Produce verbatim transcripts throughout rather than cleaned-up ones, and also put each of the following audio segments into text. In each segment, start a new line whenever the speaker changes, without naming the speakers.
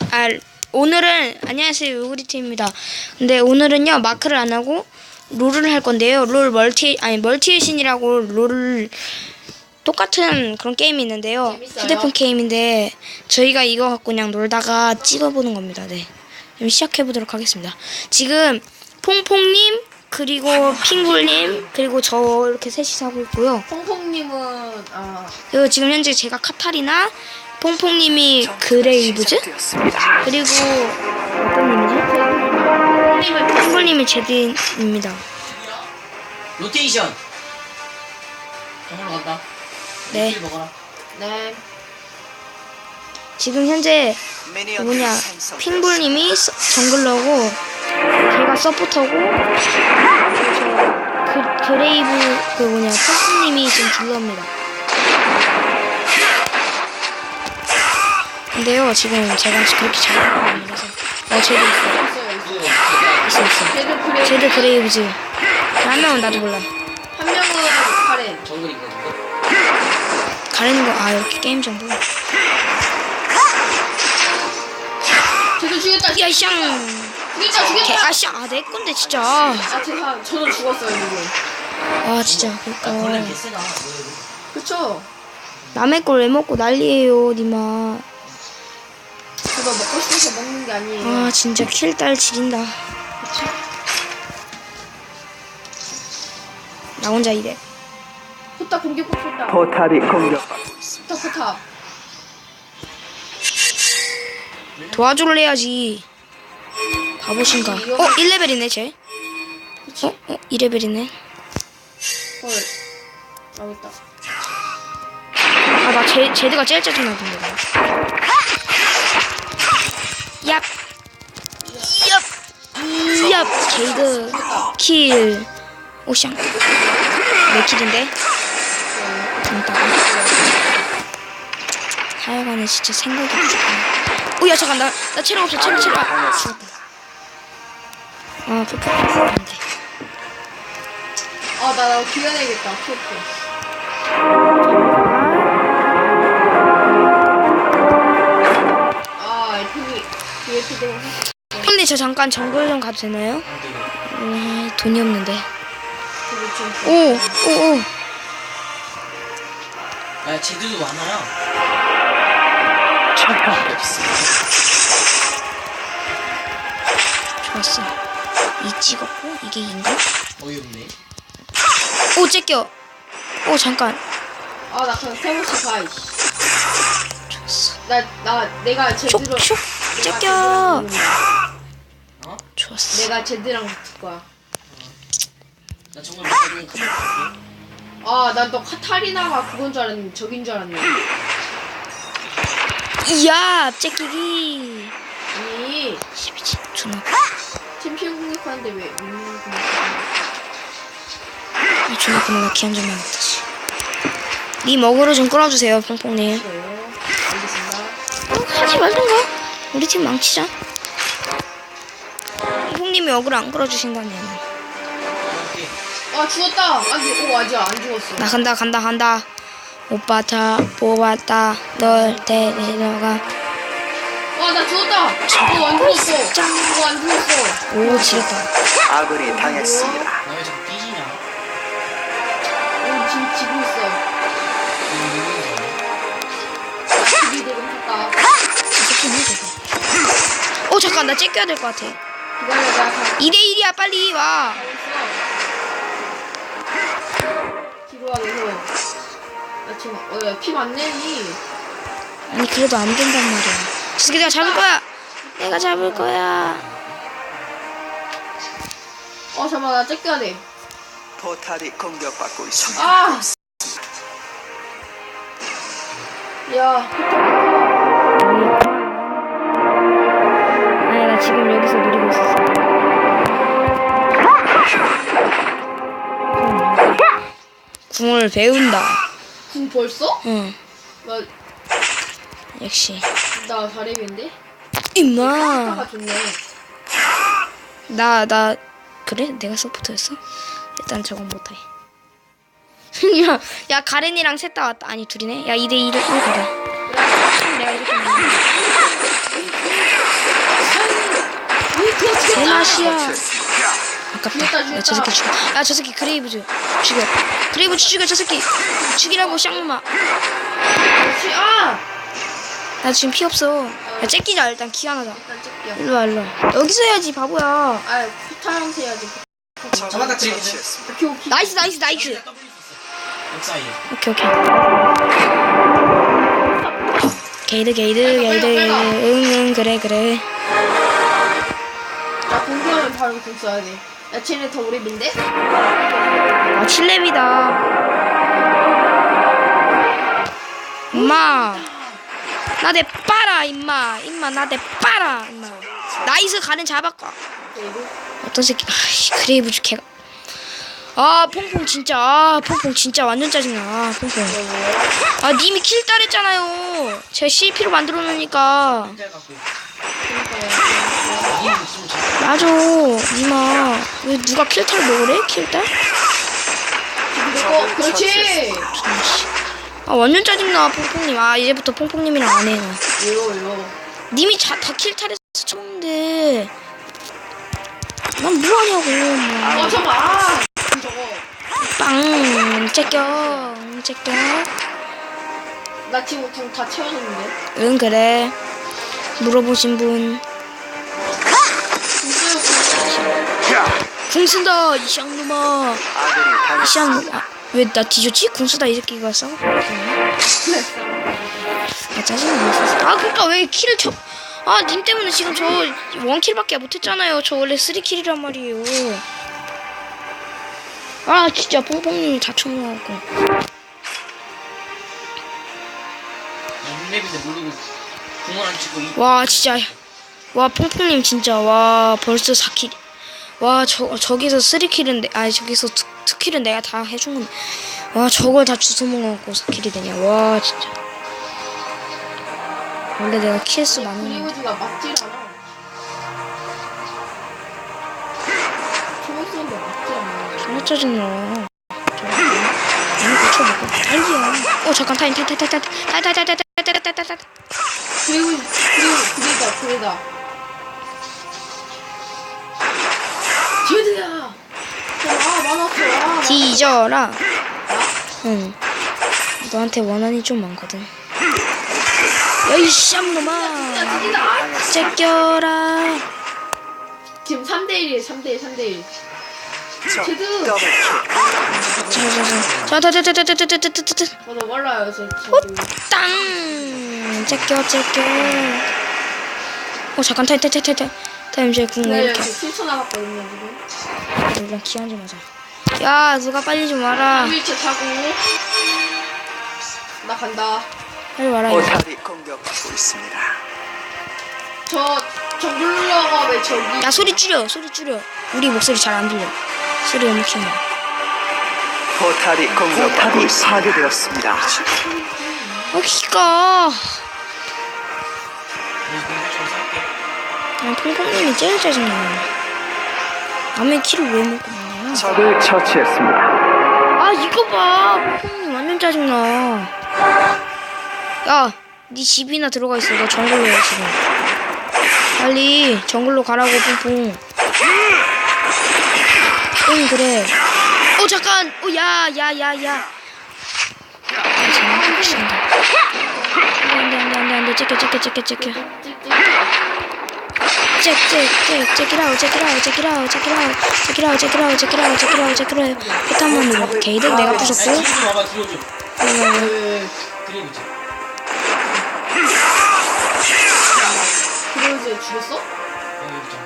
아 오늘은 안녕하세요 우구리팀입니다. 근데 오늘은요 마크를 안 하고 롤을 할 건데요. 롤 멀티 아니 멀티의 신이라고 롤을 똑같은 그런 게임이 있는데요.
재밌어요?
휴대폰 게임인데 저희가 이거 갖고 그냥 놀다가 찍어보는 겁니다. 네. 그럼 시작해 보도록 하겠습니다. 지금 퐁퐁님 그리고 핑굴님 그리고 저 이렇게 셋이서 하고 있고요.
퐁퐁님은 아
그리고 지금 현재 제가 카타리나, 퐁퐁님이 그레이브즈, 그리고 어떤 님이지? 핑굴님이 제드입니다.
로테이션. 정으로 간다.
네.
먹어라.
네.
지금 현재 뭐냐 핑굴님이 서- 정글러고 제가 서포터고 저 그, 그레이브 그 뭐냐 퐁퐁님이 지금 딜러입니다. 근데요 지금 제가 그렇게 잘하는 건 아니라서 어 제드 있어
있어요.
있어 있어
제드 그레이.
제드 그레이브즈 한 명은 나도 몰라.
한 명은 카렌.
정글 이거 이거.
가리는 거 아 이렇게 게임 정보.
제드 죽였다.
야샹
죽였다. 죽였다.
아샹 아내 건데 진짜.
아 제가 저는 죽었어요 지금.
아 진짜
나 벌레
그니까
개쎄다.
그쵸?
남의 걸 왜 먹고 난리예요 니마.
제가 먹고 싶어서 먹는 게 아니에요.
아 진짜 킬딸 지린다.
그쵸?
나 혼자 이래.
포탑 공격 포탑.
포탑이 공격받고 있습니다.
포탑 포탑.
도와줄래 해야지. 바보신가. 어 일 레벨이네 쟤.
그치?
어? 어 이 레벨이네.
헐. 나오겠다.
아나 제드가 제일 짜증나던데. 얍. 얍. 얍. 제이드 킬. 오샹. 몇 킬인데? 재밌다. 하여간에 진짜 생각이 없어. 오야 잠깐 나, 나 체력 없어 체력 체력. 아 죽었다. 아 푸푸 안돼.
아나 나 기어내야겠다. 키오프. 아 에프비 비에프도.
근데 저 잠깐 정글 좀 가도 되나요? 음, 돈이 없는데. 오, 오, 오.
야 제드도 많아요.
좋았어. 이 찍었고 이게 인가?
어이없네.
오, 째껴. 오, 잠깐.
아나 그냥 세 번씩 가. 이씨.
좋았어.
나, 나, 내가 제대로.
촉촉.
내가
째껴.
제대로-
어?
좋았어.
내가 제대랑 붙을 거야.
나 정글 먹어보면 큰일 날게.
아, 난 너 카타리나가 그건 줄 알았는데, 저긴 줄 알았네.
이야, 째끼기.
아니,
십이지. 존나.
챔피언 공격하는데 왜, 음, 공격
이 존나 그놈아 기한 좀 해야겠다. 씨. 니 먹으러 좀 끌어주세요, 퐁퐁님.
싫어요? 알겠습니다.
어, 하지 말던가. 우리 팀 망치자. 퐁님이 어그로 안 끌어주신다면.
아, 죽었다! 아직, 오, 아직 안 죽었어.
나 간다 간다 간다. 오빠 다 뽑았다. 널 데려가.
아, 나 죽었다! 어, 안 죽었어. 어, 안 죽었어.
오 지렸다.
아군이 당했습니다.
나 왜 자꾸 삐지냐?
오, 지금 지고 있어. 나 집이 되긴 했다.
어 잠깐 나 째껴야 될 것 같아.
기다려, 나 가.
이 대 일이야 빨리 와.
뒤로 와, 계속. 나 지금, 어, 야, 피 많네니.
아니 그래도 안 된단 말이야. 저 새끼 내가 잡을 거야. 내가 잡을 거야.
어, 잠깐만, 나 째껴야 돼.
포탑이 공격받고 있습니다.
아! 야,
아니 나 지금 여기서 노리고 있었어. 궁을 배운다.
궁 벌써?
응
나,
역시.
나 다리인데?
임마.
아까 좋네.
나 나 그래? 내가 서포터였어? 일단 저건 못해. 야, 야 가렌이랑 셋 다 왔다. 아니 둘이네. 야 이 대 이로 가자. 내가 이렇게. 끝이야.
처치했습니다.
아깝다. 야, 저 새끼 죽여. 야, 저 새끼 그레이브즈 죽여. 그레이브즈 죽여, 저 새끼. 죽이라고, 쌍놈아.
그렇지. 아!
나 지금 피 없어. 야, 째끼자, 일단 키 하나다.
일단 찍게요.
일로 와, 일로 와. 여기서 해야지, 바보야.
아, 포탈 해야지.
잡았다, 그레이브즈.
처치했습니다.
오케이, 오케이.
나이스, 나이스, 나이스.
더블 있었어. 역 사이에.
오케이, 오케이. 게이드, 게이드, 게이드. 응, 응, 그래, 그래.
나 공격하면 바로 공 써야 돼. 야, 쟤네 더 오래인데?
아, 칠 렙이다. 엄마. 나 내 빠라, 임마. 임마, 나 내 빠라, 임마. 나이스, 가는 잡았까.
그리고
어떤 새끼, 아씨, 그레이브즈 개가. 아, 퐁퐁 진짜. 아, 퐁퐁 진짜 완전 짜증나. 아, 퐁퐁. 아, 님이 킬 따랬잖아요. 제가 씨피로 만들어 놓으니까.
혼자 갖고.
그러니까
이게 좀 잘.
맞아, 님아. 왜 누가 킬탈 먹으래? 킬탈?
그리고 그렇지.
아, 완전 짜증나, 퐁퐁님. 아, 이제부터 퐁퐁님이랑 안 해, 나.
왜요, 왜요?
님이 자, 다 킬탈에서 쳤는데. 난 뭐하냐고, 뭐.
어, 잠깐. 아, 저거.
빵, 째껴, 째껴.
나 지금 공 다 채워줬는데.
응, 그래. 물어보신 분. 궁 쓴다, 이 쌍놈아.
아군이
이
당했습니다.
쌍, 아, 왜 나 뒤졌지? 궁 쓰다 이 새끼가 싸워. 아, 짜증나. 아, 그니까 왜 킬을 쳐. 아, 님 때문에 지금 저 원킬밖에 못했잖아요. 저 원래 쓰리킬이란 말이에요. 아, 진짜 뽕뽕님이 다 쳐놓고.
랩인데 모르고 공을 안 치고 이.
와, 진짜. 와, 뽕뽕님 진짜. 와, 벌써 사 킬. 와, 저, 저기서 쓰리킬은, 내, 아니, 저기서 투, 투킬은 내가 다 해준 건데. 와, 저걸 다 주워먹고 사 킬이 되냐. 와, 진짜. 원래 내가 킬수 많은 거.
그리고지가 맞질 않아. 초록 쏜데 맞질 않아.
존나 짜증나. 아니, 고쳐먹고. 딸기야. 어, 잠깐, 타임, 타임, 타임, 타임, 타임, 타임, 타임, 타임, 타임, 타임, 타임, 타임, 타임.
그리고 그리고 그리다 그리다. 제드야. 아, 많았어. 아,
뒤져라. 응. 너한테 원한이 좀 많거든. 야이 쌈놈아.
진짜.
째껴라.
지금 삼 대 일이에요. 삼 대 일, 삼 대 일. 제드.
더블킬.
자자자. 자자자자자자자자자.
저도 몰라요. 저 제드.
땅. 째껴 째껴. 어 잠깐 타임 타임 타임 타임. 타임 이제 궁
네,
이렇게.
저 칠 초 남았거든요 지금.
일단 기한지 맞아. 야 누가 빨리 좀 와라.
휠체 타고. 나 간다.
빨리 와라. 이거.
포탈이 공격받고 있습니다.
저 정글러가 왜 저기?
야 소리 줄여 소리 줄여. 우리 목소리 잘 안 들려. 소리 엄청 나.
포탈이 공격받고 있습니다. 파괴되었습니다.
어 기가. 아 퐁퐁님이 제일 짜증나. 남의 키를 왜 먹고 먹냐.
적을 처치했습니다.
아 이거 봐. 퐁퐁님 완전 짜증나. 야, 네 집이나 들어가 있어. 너 정글로 해 지금. 빨리 정글로 가라고 퐁퐁. 응 그래. 어 잠깐. 어 야 야 야 야. 아 정말 미친다. 안돼 안돼 안돼 안돼. 째껴 째껴 째껴 째껴. 잭잭잭 잭이라우 잭이라우 잭이라우 잭이라우 잭이라우 잭이라우 잭이라우 잭이라우 잭이라우 포탄만 누르. 게이드 내가 부셨고.
뒤로 좀 와봐, 뒤로 좀.
네.
그레이브즈.
그래서 죽였어?
여기 있잖아.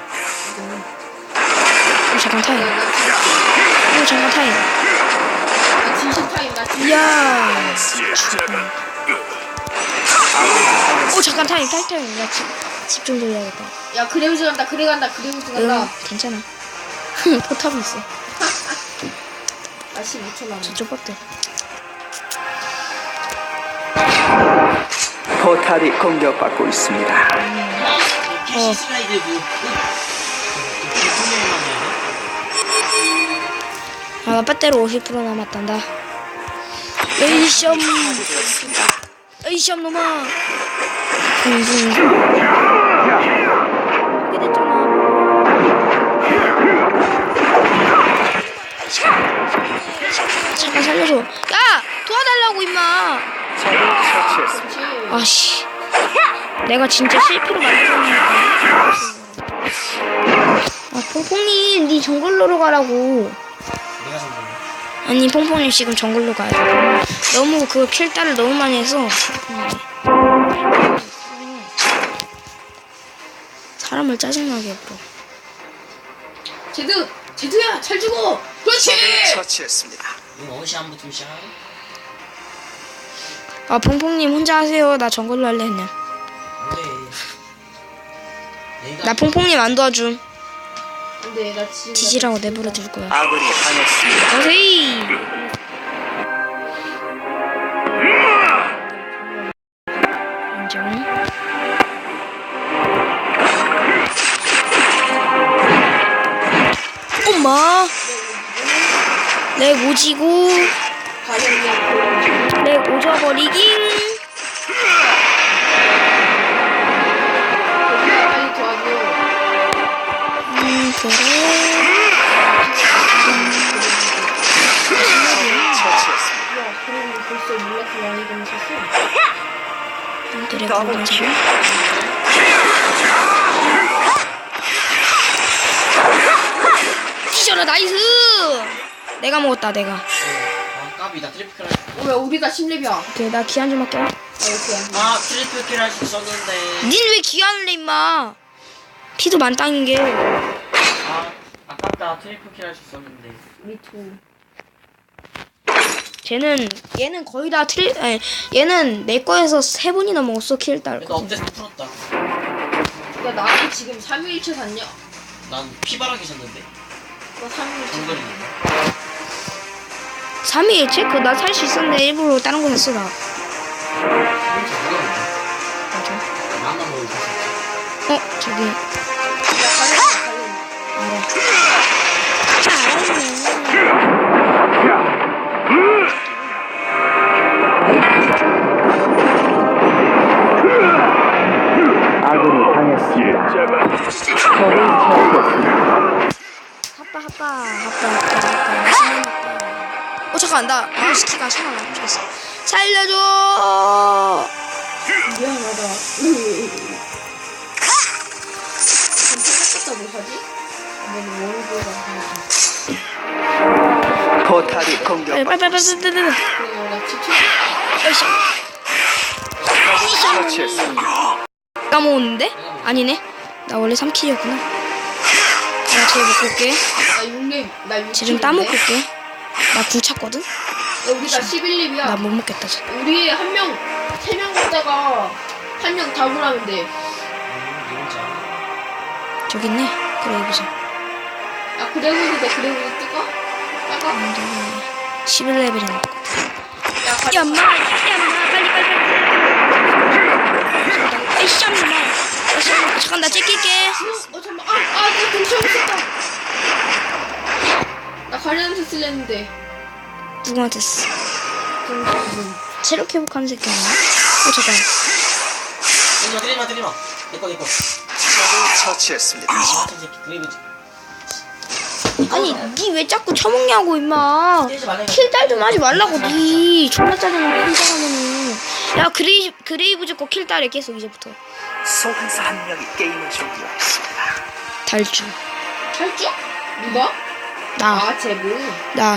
어 잠깐 타임.
나
어 잠깐 타임.
나 진심 타임 나 진심.
이야. 어 잠깐 타임 타임 타임. 나 집 좀 돌려야겠다.
야 그레우즈 간다 그래 간다 그레우즈 간다.
응 괜찮아. 포탑이 있어.
나 십오 초 남았.
저쪽 뻗대.
포탈이 공격받고 있습니다.
피씨 슬라이드 뭐.
아 빼대로 오십 퍼센트 남았단다. 에이시엄 에이시엄 놈아. 붕붕. 이게 됐잖아. 내가 진짜 실패로 만들었으니까. 아, 퐁퐁님, 니 정글로로 가라고.
내가 정말.
아니, 퐁퐁님 지금 정글로 가야 돼. 너무 그 킬딸을 너무 많이 해서. 사람을 짜증나게 해버려.
제드 제드야 잘 죽어. 그렇지.
적을 처치했습니다.
이거 어시 한 부터 시작.
아, 퐁퐁님 혼자 하세요. 나 정글로 할래, 그냥.
안돼. 내가
나 퐁퐁님 안 도와줌.
근데 나 지금
뒤지라고 내버려 둘 거야.
아군이 당했습니다.
오세이! 인정. 엄마! 렉 오지고,
가격이
렉 오져버리긴.
빨리 도와줘.
음, 그래.
처치했습니다.
야, 그럼 벌써 몰랐어. 많이 검색했어.
그래,
더블
그래.
킬.
티셔츠 나이스! 내가 먹었다, 내가.
아 까비 나 트리플 할.
어, 왜 우리가 십 렙이야?
오케이, 나 기한 좀 할게.
아, 이렇게 안 돼.
아 트리플 킬 할 수 있었는데.
닌 왜 기한을 해, 임마? 피도 만땅인 게.
아 아깝다 트리플 킬 할 수 있었는데.
미투.
쟤는, 얘는 거의 다 트리, 아니, 얘는 내 거에서 세 번이나 먹었어, 킬 딸.
그래도 업데이트 풀었다.
야, 나한테 지금 삼일체 샀냐?
난 피바라기 셨는데.
나 삼일체.
정글이.
삼 일 체크? 나 살 수 있었는데 일부러 다른 거 샀어, 나.
진짜 어려운데.
맞아.
나만 먹을 수 있지.
어, 저기.
야, 가려, 가려.
알아. 알았네.
아군이 당했습니다. 적을 처치했습니다.
하빠, 하빠, 하빠, 하빠, 하빠. 신나겠다. 어, 잠깐, 나, 아, 스키가 신나. 죽겠어. 살려줘!
미안하다. 그럼 뭐 하지? 내가 원고가
포탈이
빨리,
공격받고
빨리, 빨리, 빨리,
있습니다.
빨리, 빨리.
그리고 나 집중.
으쌰.
적을 처치했습니다.
까먹었는데? 아니네. 나 원래 삼 킬이었구나. 나 쟤 먹고 올게.
나 육 렙, 나 육 렙.
쟤 좀 따먹고 올게. 나 구 찼거든?
야, 우리가 십일 렙이야.
나 못 먹겠다, 쟤.
우리 한 명, 세 명 먹다가 한 명 다굴하면 돼.
음 누군지 알아.
저기 있네. 그래, 입으자.
야, 그래고도 돼, 그래고도 뜰까? 뜰까?
십일 레벨이네.
야, 가자.
야, 엄마, 야, 엄마, 빨리, 빨리, 빨리. 에이씨, 엄마. 에이씨, 엄마. 잠깐, 나 찍힐게.
어, 잠깐만. 아, 아, 나 동시에 없었다. 나 가려한테 쓸렸는데.
누구한테 쓰?
동시에.
체력 회복하는 새끼 아니야? 어, 잠깐.
때리마 때리마 때리마. 내꺼 내꺼.
적을 처치했습니다.
아 같은 새끼 드리블.
아니, 니 왜 자꾸 처먹냐고, 임마.
때리지 말라니까.
킬딸 좀 하지 말라고, 니. 존나 짜증나, 킬딸하면은. 야, 그레이, 그레이브즈 거 킬딸해, 계속, 이제부터.
소환사 한 명이 게임을 종료했습니다.
달주.
탈주? 누가?
나,
아, 제브.
나.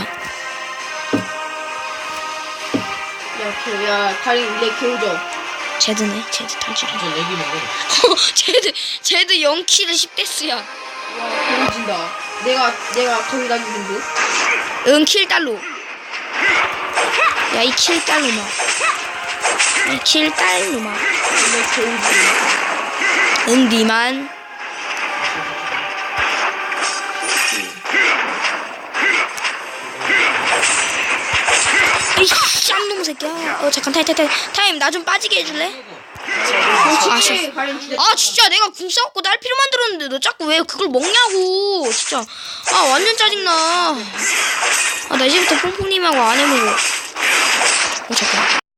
야, 개, 야, 다리 내 개우죠.
제드네, 제드 달주래.
저 렉이 먹어.
제드, 제드 영 킬에 십 데스야.
와, 개우진다. 내가, 내가 거기다 죽은 듯.
응, 킬딸로. 야, 이 킬딸로 막. 이 킬딸로 막.
내 개우지.
응, 니만. 이씨, 쌍놈 새끼야. 어, 잠깐, 타임, 타임, 타임. 타임, 나 좀 빠지게 해줄래?
솔직히 가령 진짜.
아, 진짜 내가 궁 싸웠고 날피로 만들었는데 너 자꾸 왜 그걸 먹냐고. 진짜. 아, 완전 짜증나. 아, 나 이제부터 퐁퐁님하고 안 해먹어. 어, 잠깐.